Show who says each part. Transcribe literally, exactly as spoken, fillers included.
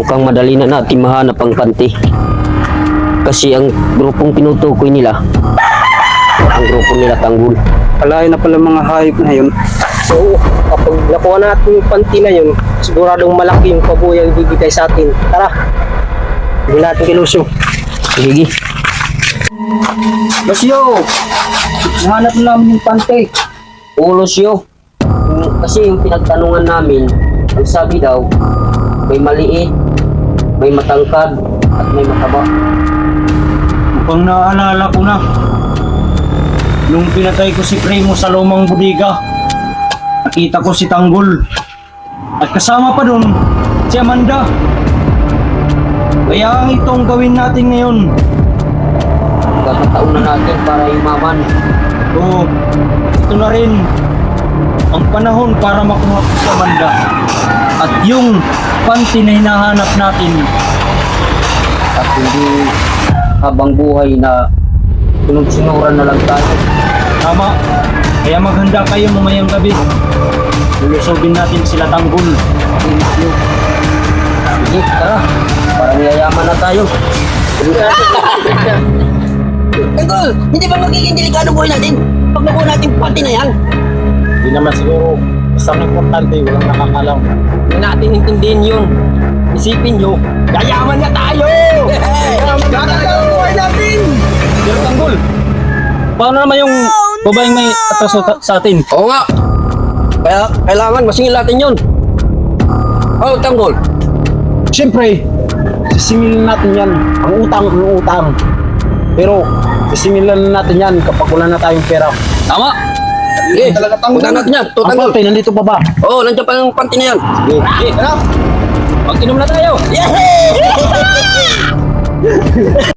Speaker 1: mukhang madali na natin mahanap ang panty. Kasi ang grupong tinutukoy nila, ang grupo nila Tanggol.
Speaker 2: Alayo na pala mga hayop na yun.
Speaker 3: So, kapag nakuha natin yung panty na yun, siguradong malaki yung pabuya yung bibigay sa atin. Tara, hindi natin kilusyo.
Speaker 1: Sige.
Speaker 2: Losyo! Nahanap na namin yung panty.
Speaker 1: Ulos yo. Yung- Kasi yung pinagtanungan namin, ang sabi daw, may maliit, may matangkad, at may mataba.
Speaker 4: Mukhang naaalala ko na. Nung pinatay ko si Primo sa lumang budiga, nakita ko si Tanggol. At kasama pa dun, si Amanda. Kaya ang itong gawin natin ngayon.
Speaker 1: Kakataon na natin para yumaman.
Speaker 4: Oo, ito na rin ang panahon para makuha ko si Amanda. At yung panty na hinahanap natin.
Speaker 1: At hindi habang buhay na sunod-sunuran na lang tayo.
Speaker 4: Tama. Kaya maghanda kayo mamayang gabi. Lulusogin natin sila Tanggol.
Speaker 1: Sige, tara. Parang yayaman na tayo.
Speaker 5: Tanggol, hindi ba magiging delikado buhay natin pag nakuha natin pati na yan?
Speaker 4: Hindi naman siguro. Basta ang importante, walang nakakalaw.
Speaker 3: Hindi natin intindihin yun. Isipin nyo, yayaman na tayo! Gagalaw ang buhay natin!
Speaker 4: Pero Tanggol, paano naman yung babaeng may atraso ta- sa atin?
Speaker 3: Oo nga. Kaya kailangan masingil natin yun. Oh, Tanggol.
Speaker 2: Siyempre, sisingilin natin yan. Ang utang, ang utang. Pero, sisingilin natin yan kapag wala na tayong pera.
Speaker 3: Tama. Eh, punta natin yan. Ito,
Speaker 2: Ang
Speaker 3: Tanggol.
Speaker 2: panty, nandito pa ba?
Speaker 3: Oo, oh, nandiyan pa yung panty na yan. Sige. Tara. Mag-inom na tayo.
Speaker 5: Yay!